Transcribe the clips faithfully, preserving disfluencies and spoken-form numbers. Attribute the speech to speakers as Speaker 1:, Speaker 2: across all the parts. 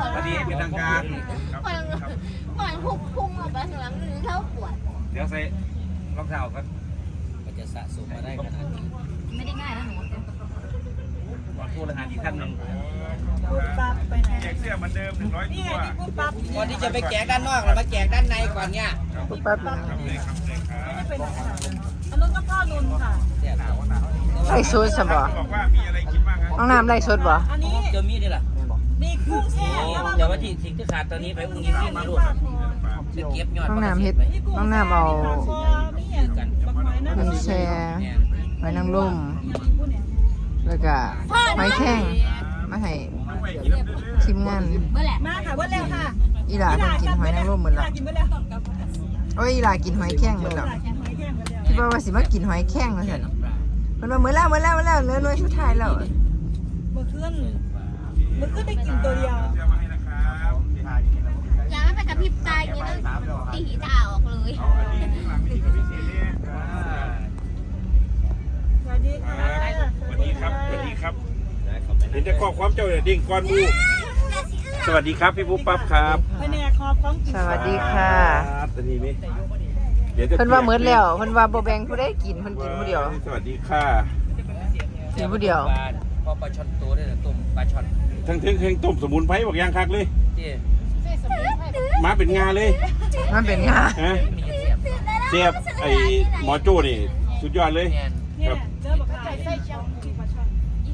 Speaker 1: พอดีเป็นทางการ
Speaker 2: ก่อนก่อนพุ่งพุ่งออกไปข้างหลังนึงเท้าปวด
Speaker 1: เดี๋ยวใส่รองเท้ากัน
Speaker 3: ก็จะสะสมมาได้ขนาดนี้
Speaker 2: ไม่ได้ง่ายนะหนู
Speaker 1: ขอโทษรหัสอีกท่านหนึ่ง
Speaker 4: ปั๊บไปไหน
Speaker 1: แจกเสื้อเหมือนเดิมหนึ่งร้อย
Speaker 4: นี่
Speaker 1: ตั
Speaker 4: ไง
Speaker 1: ว
Speaker 4: ที่พูดปั๊บ
Speaker 3: ก่อนที่จะไปแจกด้านนอกเรามาแจกด้านในก่อนเนี่ย
Speaker 4: ปุ๊บปั๊บปั๊บไม่ได้เป็นอาหารอันนู้นก็พ่อนุนค่ะ
Speaker 3: แจก
Speaker 5: ไล่สดสบ่
Speaker 1: บอกว่ามีอะไรกินบ้างครับ
Speaker 5: น้องน้ำไล่สดบ่
Speaker 4: อันนี้
Speaker 3: เจอมีดด้วยล่ะ
Speaker 4: มีกุ้งแช่
Speaker 3: เดี๋ยวว่าที่สิ่งที่ขาดตอนนี้ไปอุ้งยิงยิงมาลูกจะเก็บยอด
Speaker 5: น้องน้ำเฮ็ดน้องน้ำเอา
Speaker 4: มีอย่างบักไม้นะ
Speaker 5: มันแช่ไว้นางร่มแล้วก็ไม้แข้งมาให้ทีมงาน
Speaker 2: เมื่อไหร่
Speaker 4: มาค่ะว่าแล้วค่ะ
Speaker 5: อีหลาเพิ่นกินหอยนางรมหมด
Speaker 4: อีห
Speaker 5: แล้
Speaker 4: ลาว กินไปแล้ว
Speaker 5: โอ้ยอีหลากินหอยแข้งหมดแล้ว
Speaker 4: หลากินหอยแข้งไปแล้ว
Speaker 5: คิดว่าว่าสิมากินหอยแข้งว่าซั่นเพิ่นว่ามื้อแล้วมื้อแล้วมื้อแล้วเหลือหน่วยสุดท้ายแล้ว
Speaker 4: เมื่อคืนเมื่อคืนได้กินตัวเดียว
Speaker 1: เสื้อมาให้นะครับ
Speaker 2: ยังไม่ไปกับพริบตาอย่างนี้นะตีตาออกเลย
Speaker 1: อันนี้ข้างหลังนี่ก็พิเศษเนี่ย
Speaker 4: สวัสดีค่ะ
Speaker 1: สวัสดีครับสวัสดีครับเห็นแต่ข้อความเจ้าเนี่ยดิ่งก้อนมูสวัสดีครับพี่ปุ๊บปั๊บครับ
Speaker 4: แผนกคอพร้อมกิน
Speaker 5: สวัสดีค่ะ
Speaker 1: ครับตอนนี้นี่เดี๋ยวจะ
Speaker 5: เพิ่นว่ามื้อแล้วเพิ่นว่าบ่แบ่งผู้ใดกินเพิ่นกินผู้เดียว
Speaker 1: สวัสดีค่ะ
Speaker 5: กินผู้เดียว
Speaker 3: พอปลาช่อนตัวได้ต้มปลาช่อน
Speaker 1: ทั้งเทิงแข่งต้มสมุนไพรบอกยางคักเลย
Speaker 3: ที่
Speaker 1: มาเป็นงาเลย
Speaker 5: มันเป็นงา
Speaker 1: ฮะ
Speaker 3: มีเสียบ
Speaker 1: เสียบไอ้หมอโจ้นี่สุดยอดเลย
Speaker 3: แมน
Speaker 4: เนี่ยเจอบักไก่ใส่ช่องที่ปลาช่อน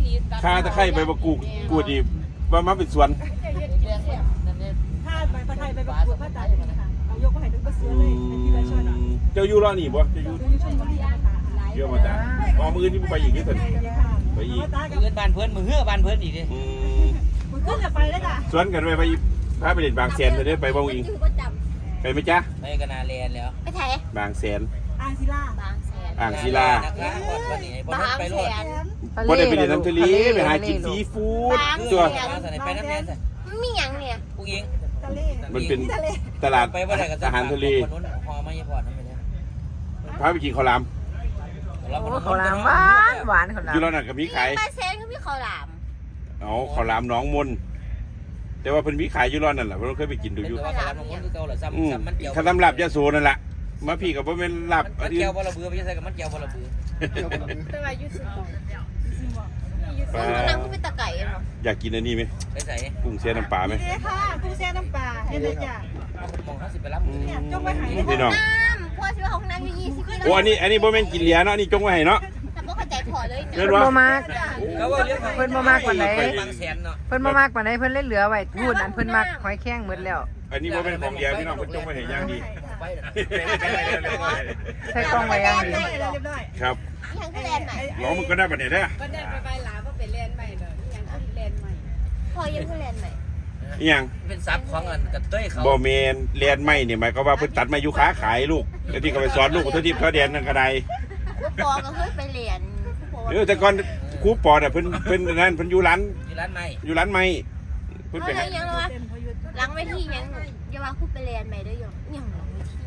Speaker 1: ข้าตะไคร้ใบมะกรูดกูดอีว่ามาเป็นสวน
Speaker 4: ถ้าไปปลาไทยไปประกวดพระจันทร์ค่ะเอายกมาให้ถึงก็ซื้อเลยเป็นที่ปลาช่อนอ่ะ
Speaker 1: เจ้าอยู่รอนี่บ่เจ้าอยู่
Speaker 4: ซื้อช่อนก็มีนะคะ
Speaker 1: เยอะมาจ้ะพอมือนี่ไปอีกนี่เถอะไปอีก
Speaker 4: ตากับ
Speaker 3: เพื่อนบ้านเพื่อนมือเฮือบ้านเพื่อนอีกดิ
Speaker 1: อืม
Speaker 4: มันขึ้นจะไปแล้วจ้ะ
Speaker 1: สวนกันไปไปพาไปเด่นบางแสนไปได้ไปบ้างอิง
Speaker 2: อยู่ประจ
Speaker 1: ไปไหมจ๊ะ
Speaker 3: ไปกันนาแลนแล้ว
Speaker 2: ำไปไทย
Speaker 1: บางแสน
Speaker 4: อ่างศิลา
Speaker 2: บางแสน
Speaker 1: อ่างศิลา
Speaker 3: นะคะก่อนวันนี้พอบ
Speaker 2: าง
Speaker 3: ไปร
Speaker 2: แส
Speaker 3: ถ
Speaker 2: น
Speaker 1: บ่ได้ไปเด่นน้ำทะเลไปหากินซีฟู้ด
Speaker 3: คือ
Speaker 1: ตัว
Speaker 3: ไปน้ำแน่น
Speaker 2: มันมีอย่างเนี่ย
Speaker 3: ผู้หญิง
Speaker 4: ทะเล
Speaker 1: มันเป็นตลาด
Speaker 3: ไปว่าอะไรกับ
Speaker 1: อาหารทะเล
Speaker 3: คนนู้นพอไม่พอนั่นไปเลย
Speaker 1: พาไปกินข้าวหลาม
Speaker 5: โอ้ข้าวหลามหวานหวานข้าวหลา
Speaker 1: อยู่
Speaker 5: ม
Speaker 1: แล้วนั่นก็มีขาย
Speaker 2: บางแสนก็มีข้าวหลาม
Speaker 1: เอาข้าวหลามหน้องมนแต่ว่าเพิ่นมีขายอยู่ร้อนนั่นแหละเพิ่นเคยไปกินดูอยู่
Speaker 3: แต่ว่าการมงคลคือเก่าหรอ
Speaker 1: อืม
Speaker 3: ซ้ำซ้ำมันเกี่ยว
Speaker 1: ข้าวตำรับยะโสนั่นแหละมาพี่กับบ่แม่นลาบ
Speaker 3: มันเกี่ยวบอระเบือไม่ใช่กับมันเกี่ยวบอระเบือ
Speaker 2: แต่ว่าอยู่สุด
Speaker 1: ปลา
Speaker 2: มันนั่งก็เป็นตะไก่เนาะ
Speaker 1: อยากกินอันนี้ไหม
Speaker 3: ไปใส่
Speaker 1: กุ้งเสียน้ำปลาไหม
Speaker 4: นี่ค่ะกุ้งแช่น้ำปลาเฮ็ดเลยจ้ะ
Speaker 3: มองเขาสิไปรับ
Speaker 1: อืม
Speaker 4: เนี่ยจงไว้ให้
Speaker 1: พี่น้อง
Speaker 2: น้ำพ่อชื่อว่าของน้ำอยู่ยี่สิบ
Speaker 1: โอ้อันนี้อันนี้บ่แม่นกินเหลียเนาะอันนี้จงไว้ให้เนาะ
Speaker 2: แต่พ่อเข้าใจพอเลย
Speaker 1: เรีย
Speaker 5: เพิ่
Speaker 1: น
Speaker 5: น
Speaker 1: ว่า
Speaker 5: บ่มาก
Speaker 3: เขาว่าเรื่อง
Speaker 5: เพิ่นบ่มากกว่าไหน
Speaker 3: บางแสนเนาะ
Speaker 5: เพิ่นบ่มากปานใดเพิ่นเลยเหลือไว้พูดอันเพิ่นมักหอยแข้งหมดแล้ว
Speaker 1: อันนี้บ่เป็นของเหลียพี่น้องเพิ่นจงไว้ให้อย่างดี
Speaker 3: ไปนะ
Speaker 5: ใส่กล้องไว้อย่างดี
Speaker 4: เรียบร้อย
Speaker 1: ครับ
Speaker 2: ยังก็แลนใหม่
Speaker 1: ร้องมันก็ได้บัดนี้เด้อ
Speaker 6: ก็ได้ไปไปหลาก็เป็นแลนใหม่เลยยังก็แลนใหม่
Speaker 2: พอยังก็แลนใหม่
Speaker 1: อีหยัง
Speaker 3: เป็นซับของเงินกับเต้ยเขา
Speaker 1: บ่แม่นเรียนไม่นี่หมายความว่าเพิ่นตัดมาอยู่ค้าขายลูกแล้วที่ก็ไปสอนลูกเท่าที่เขาเรียนนั่นก็ได้
Speaker 2: ผู้ปอก็เคยไปเรียนผู้ปอ
Speaker 1: เออแต่ก่อนครูปอน่ะเพิ่นเพิ่นนั่นเพิ่นอยู่ร้าน
Speaker 3: ที่ร้านใหม่
Speaker 1: อยู่ร้านไม้เพิ่น
Speaker 2: เขา
Speaker 1: ไป
Speaker 2: เลย
Speaker 1: หา
Speaker 2: ยังว่าหลังเวทียังอย่าว่าคู่ไปเรียนใหม่ด้วยยังยังหลังเวที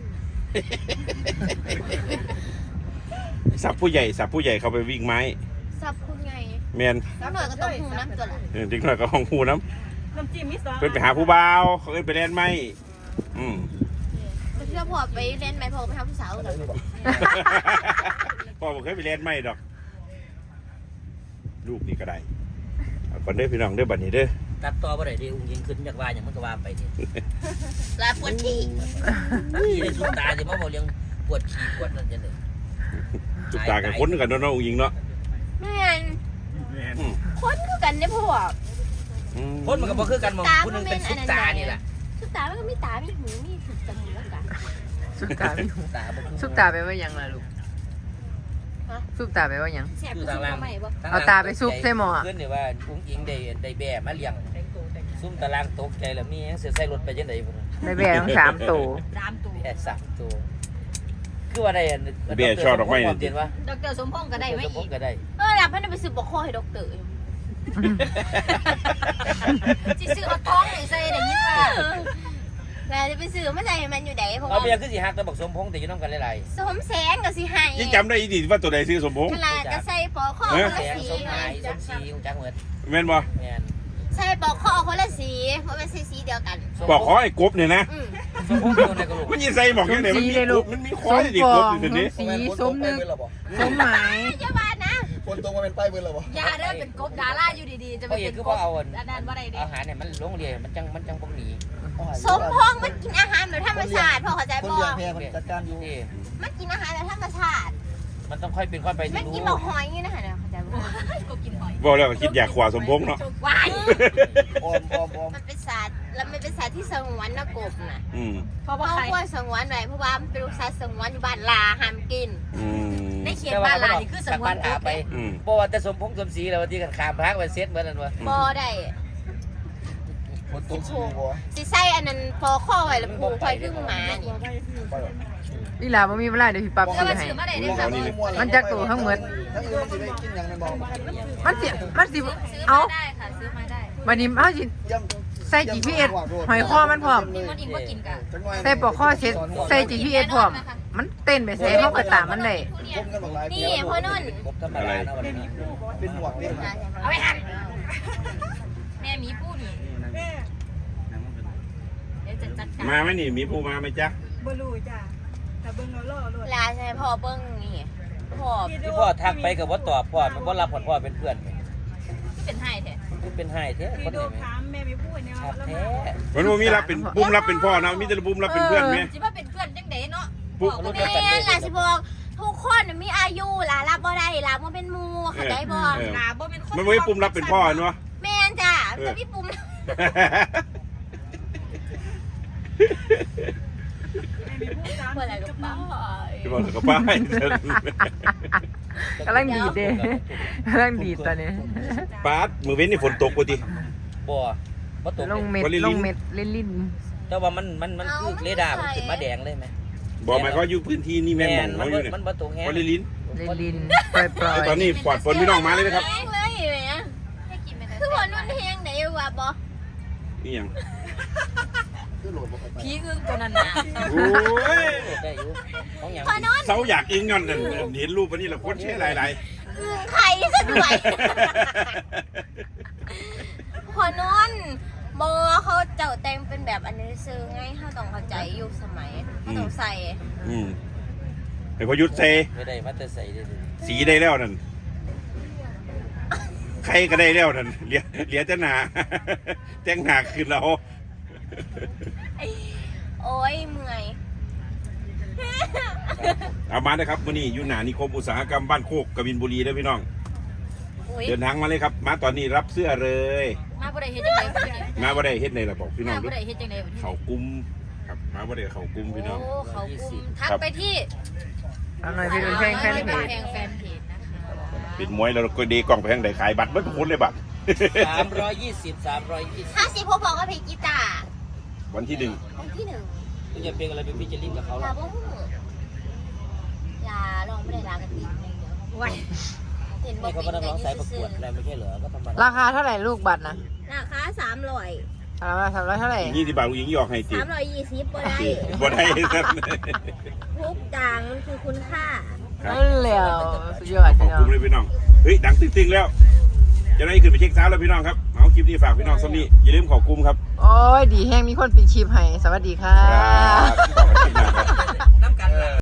Speaker 1: สับผู้ใหญ่สับผู้ใหญ่เขาไปวิ่งไม้
Speaker 2: ซับคุณไง
Speaker 1: แม่น
Speaker 2: น้ำหน่อยก็ต้องหูน้ำตัวละ
Speaker 1: เออจริงหน่อยก็ห้องฮู้น้
Speaker 4: น้ำจิ้มมีสอง
Speaker 1: ำเพิ่นไปหาผู้บ่าวเขาเอิ้นไปเล่นไม้อืม
Speaker 2: แต่เชื่อพอไปเล่นใหม่พอไปทำผู้สาวเลย
Speaker 1: พ่อบ่เคยไปเล่นไม้ดอก ลูกนี่ก็ได้เอาก่อนเด้อพี่น้องเด้อบัดนี้เด้อ
Speaker 3: ตัดต่อบ่ได้ดิอุ้งยิงขึ้นจากว่าอย่างมันก็ว่าไปดิ
Speaker 2: ลาปวดที่
Speaker 3: ที่ได้สุดตาจะมาบอกเรื่องปวดขี้ปวดนั่นจังเลย
Speaker 1: จุดตากับคนกันเนาะน้องหญิงเนาะ
Speaker 2: แม่นคนคือกันได้พวก
Speaker 1: อืม
Speaker 3: คนมันก็บ่คือกันมองผู้นึงเป็นสุดตานี่แหละ
Speaker 2: สุดตามันก็มีตา มีหู มีสุดจมูกกัน
Speaker 5: สุกตาไม่ถูก
Speaker 3: ตาบ่
Speaker 5: สุกตาไปว่าหยังล่ะลูกสุกตาไปว่าหยัง
Speaker 2: แสบคือทำไมบ่
Speaker 5: เอาตาไปซุกใส่หม้อ
Speaker 3: ขึ้นนี่ว่าอุ้งยิงได้ได้แบ่มาเลี้ยงซุ่มตารางตกใจแล้วมีหยังเสียใส่รถไปจังได๋บ่
Speaker 5: ได้แบ่ทั้งสามตัว
Speaker 6: ตามตัว
Speaker 3: แค่สามตัวคือว่าได้อัน
Speaker 1: เบี้ยชอบดอกไม้
Speaker 3: นี่
Speaker 1: นี่
Speaker 3: เตียนว่า
Speaker 6: ดรสมพงษ์ก็ได้ไหม
Speaker 3: สมพ
Speaker 6: อี
Speaker 3: ง
Speaker 6: ก
Speaker 3: ษ์ก็ได้
Speaker 2: เออแล้วพันไปซื้อบอกคอให้ด็อกเตอร์
Speaker 6: จิซื้อเอาท้องหรือใส่ได้ยินว่า
Speaker 2: แล้วจะไปซื้อมาใส่มันอยู่ไหนเพราะ
Speaker 3: เอา
Speaker 2: ว่า
Speaker 3: เบี้ยคือสิฮักแต่บอกสมพงษ์แต่อยู่นำกันหลาย
Speaker 2: สมแสงกับสิให้
Speaker 1: ยิ่งจำได้อีดีว่าตัวใดซื้อสมพงษ์
Speaker 2: ขนาดก็ใส่ปอกคอ
Speaker 3: ๆ
Speaker 2: คน
Speaker 3: แส
Speaker 2: ละ
Speaker 3: ง
Speaker 2: สี
Speaker 3: สมหมายสมศรีของจักเหมือน
Speaker 1: แม่นบ่
Speaker 3: แม่น
Speaker 2: ใส่ปอกคอคนละสีเพราะมันใส่สี
Speaker 1: บอกขอไอ้กบเนี่ยนะ
Speaker 2: อืม
Speaker 3: สมพงษ์อยู่ในกระโหลก
Speaker 1: มันยิงใส่บอกยังไงมันมีกบมันมีคอยดิกบอยู่นี้
Speaker 5: สีสมนึกสมหมาย
Speaker 2: อย่าบาดนะ
Speaker 7: คนตรงมาเป็นป้ายเบอร์เหรอวะ
Speaker 6: ยาเด้อเป็นกบดาราอยู่ดีๆจะไป
Speaker 3: พ่อเอก
Speaker 6: เป็น
Speaker 3: คือก พ่อบ เอา
Speaker 6: อันนั้นว่าไรดิ
Speaker 3: อาหารเนี่ยมันลงเรียนมันจังมันจังพวกหนี
Speaker 2: สมพงษ์มันกินอาหารแบบธรรมชาติพ่อเข้าใจ
Speaker 7: คน
Speaker 2: บ่
Speaker 7: เลี้ยงแพรมันจัดการอยู่
Speaker 3: ที่
Speaker 2: มันกินอาหารแบบธรรมชาติ
Speaker 3: มันต้องค่อยเป็นค่อยไป
Speaker 2: มัน
Speaker 3: ที่
Speaker 2: กิน
Speaker 3: รู้
Speaker 2: บอกหอยอย่างนี้นะคะเนี่ยเข้าใจบ่
Speaker 6: กบกินหอย
Speaker 1: บอกแล้วก็คิดอยากขวาสมพงษ์เนาะ
Speaker 2: วาย
Speaker 7: ออมออมออม
Speaker 2: มันเป็นสัตว์แล้วมันเป็นสัตว์ที่สงวนนะกบน่ะ
Speaker 1: อืม
Speaker 6: เพราะว่า
Speaker 2: เขา
Speaker 6: ใคร
Speaker 2: ควรสงวนไว้เพราะว่ามันเป็นสัตว์สงวนอยู่บ้านลาห้ามกิน
Speaker 1: อืม
Speaker 6: ในเขียนบ้านลานี่คือสมวน
Speaker 3: หาก
Speaker 6: บ
Speaker 3: ไป
Speaker 6: เลย
Speaker 1: อืม
Speaker 3: บอกว่าแต่สมพงษ์สมศรีแล้ววันที่กันขามพักไปเซ็ตเหมือนกันวะ
Speaker 2: บ่ได้
Speaker 7: คนตรงสีบัว
Speaker 2: สิใส่อันนั้นพอข้อไว้แล้วผูกไว้คือหมานี่
Speaker 5: นี่ล่ะบ่มีเวลาเดี๋ยวพี่ปั๊บ
Speaker 6: แล้ว
Speaker 5: ซื้อ
Speaker 6: มา
Speaker 5: ให้
Speaker 6: ซื้อมาได้ได้ค่ะ
Speaker 5: มันจักตัวทั้งหมด
Speaker 7: ทั้งอื่นมันจะได้กินอย่างนั้นบอก
Speaker 5: มันสิมันสิ
Speaker 6: ซื้อ
Speaker 5: เอา
Speaker 6: มาได้ค่ะซื้อมาได้
Speaker 5: วันนี้เฮาสิ
Speaker 7: ย่
Speaker 5: ใส่ จี พี เอส หอยคอมันพร้อม
Speaker 6: มีมันอีกว่ากินกัน
Speaker 7: ำ
Speaker 5: ใส่ปลอกคอเช็ดใส่ จี พี เอส พร้อม มันเต้นไปใส่เฮาก็ตามมันได้
Speaker 7: ก้มกันบอกหลาย
Speaker 2: นี่พ่อนุ่น
Speaker 3: ครบธรรมดานะวันนี้
Speaker 7: เป็นหมวกเด็ก
Speaker 6: เอาไปหั่นแม่มีผู้นี่เดี๋ยวจะจัดการ
Speaker 1: มาไหมนี่มีผู้มาไหมจ๊ะ
Speaker 4: บลูจ้ะแต่เบิ้งเราล่อรถ
Speaker 2: ลาใช่พ่อเบิ้งนี่พ่อ
Speaker 3: ที่พ่อทักไปกับว่าตอบพ่อมันว่ารับผลพ่อเป็นเพื่อน
Speaker 6: เป็นให้แท้
Speaker 3: มันเป็นให้เถอะค
Speaker 4: พี่
Speaker 3: น
Speaker 4: โด
Speaker 3: เห็นไหม
Speaker 4: ถามแม่ไม่พูดเนี่ย
Speaker 3: ชัด
Speaker 4: แล้ว
Speaker 3: แท้
Speaker 1: มันบ่มีรับเป็นบุ้มรับเป็นพ่อนะมีแต่บุ้มรับเป็นเพื่อนไหม
Speaker 6: จิว่าเป็นเพื่อนจังไดเนาะ
Speaker 1: ปุ๊บ
Speaker 6: บอก
Speaker 2: แม่
Speaker 6: ว่า
Speaker 2: ลาสิบอกทุกคนมีอายุลารับบ่ได้ลาบ่เป็นหมู่เข้าใจบ่
Speaker 1: เออ
Speaker 6: หนาบ่เป็นคน
Speaker 1: มันไม่ปุ่มรับเป็นพ่อเนาะ
Speaker 2: แม่นจ้ะมันจะมีปุ่ม เมื่อไหร่ก็ป้า
Speaker 1: ที่บอกกับป้าย
Speaker 5: กำลังดีดเด้กำลังดีดตอนนี้
Speaker 1: ป้าดมือเว้นนี่ฝนตกกว่าดิ
Speaker 3: บ่บ่ตก
Speaker 5: ลงเม็ด
Speaker 1: วอลลิลิน
Speaker 5: ลงเม็ดลิ้นลิ้น
Speaker 3: แต่ว่ามันมันมันคือเรดาร์มันขึ้นมาแดงเลยไหม
Speaker 1: บอกหมายเขาอยู่พื้นที่นี่แม่นหมอง
Speaker 3: มั
Speaker 1: เขาอยู่เนี่ย
Speaker 3: มันบ่ตกแฮง
Speaker 1: วอลลิลิน
Speaker 5: ลิ้นลิ้นปล่อยปล่อย
Speaker 1: ตอนนี้ปลอดฝนพี่น้องมาเลยนะครับ
Speaker 2: แห้งเลยแม่
Speaker 6: ให้กินไปแต่
Speaker 2: คือว่านุ่นแห้งไหนวะบ่
Speaker 1: นี่ยัง
Speaker 7: คือโหลดบอกไป
Speaker 6: ผีอึ้งตัวนั้นน่ะ
Speaker 1: โอ้ย
Speaker 3: ได้อยู่ของหยัง
Speaker 2: พอนอน
Speaker 1: เสาอยากอิงย้อนนั่นเห็นรูปวันนี้เราคนแช่หลาย
Speaker 2: อึ้งไข่ซะด้วยพอนอนบอเขาเจ้าแต่งเป็นแบบอันนี้ซื้อไงเขาต้องเข้าใจยุคสมัยเขาต้องใส่
Speaker 1: ๆอืมไอ้พยุทธเซ
Speaker 3: ไม่ได้มาแต่ใส่ได้เลย
Speaker 1: สีได้แล้วนั่นใครก็ได้แล้วนั่นเหลียเหลียจะหนา แจ้งหนาคือเรา
Speaker 2: โอ้ยเมื่อย
Speaker 1: เอามาเลยครับวันนี้อยู่หนานิคมอุตสาหกรรมบ้านโคกกบินบุรีเด้อพี่น้อง
Speaker 2: อุ้ย
Speaker 1: เดินทางมาเลยครับ มาตอนนี้รับเสื้อเลย
Speaker 6: มาบ่ได้เฮ็ดจังได๋บ่ได้
Speaker 1: มาบ่ได้เฮ็ดในระบอกพี่น้อง
Speaker 6: มา
Speaker 1: ด้
Speaker 6: บ่
Speaker 1: วย
Speaker 6: ได้เฮ็ดจังได๋บ่ได้
Speaker 1: เขากุมครับมาบ่ได้เขากุมพี่น้อง
Speaker 6: โอ้เขากุมทักไปที่
Speaker 5: เอาหน่อยพี่ดูแข่งแฟนเพจ
Speaker 6: แพงแฟนเพจนะคะ
Speaker 1: เป็นมวยแล้วก็ดีกล่องไปทางใดขายบัตรไม่ทุกคนเลยบัตร
Speaker 3: สามร้อยยี่สิบสามร้อยยี่สิบ
Speaker 2: ห้าสิบพวกบอกว่าเพลงกีตาร์
Speaker 1: วันที่หนึ่ง
Speaker 2: คนที่หนึ่ง
Speaker 3: คุณจะเป็นอะไรเป็นพิจิรินกับเขา
Speaker 2: ลา
Speaker 3: ล่ะ
Speaker 2: บ้งลาลองไม่ได้ลากันติดอย่างเดียว
Speaker 6: ว้าย
Speaker 2: เห็นบอ
Speaker 3: นี่
Speaker 2: ก
Speaker 3: เขา
Speaker 2: เป็
Speaker 3: ก็
Speaker 2: น
Speaker 3: ต้อง
Speaker 2: ไง
Speaker 3: ร้อง
Speaker 2: ยื
Speaker 3: สายประ
Speaker 2: ด
Speaker 3: ก
Speaker 2: ซื้
Speaker 3: ว
Speaker 2: อ
Speaker 3: ดอะไรไม่ใช่เหรอก็ธรรมดา
Speaker 5: ราคาเท่าไหร่ลูกบัตรนะ
Speaker 2: ราคาสามร้อย
Speaker 5: สามร้อยสามร้อยเท่าไหร่
Speaker 1: ยี่สิบบาทผู้หญิงหยอกให้ติ
Speaker 2: สามร้อยยี่สิบบ่ได้
Speaker 1: บ่ได้สัก
Speaker 2: ทุกต่างมันคือคุณค่า
Speaker 5: นั่นแหละสุดยอด
Speaker 1: ขอบ
Speaker 5: พี่น้อ
Speaker 1: คุ
Speaker 5: ง
Speaker 1: ณเลยพี่น้อง เฮ้ยดังตึ้งๆแล้ว จะได้ขึ้นไปเช็คเช้าแล้วพี่น้องครับ เอาคลิปนี้ฝากพี่น้องสมีอย่าลืมขอบคุมครับ
Speaker 5: โอ้ยดีแห้งมีคนปิดชีพให้สวัสดีค่ะ
Speaker 1: ครับขอบคุณครับ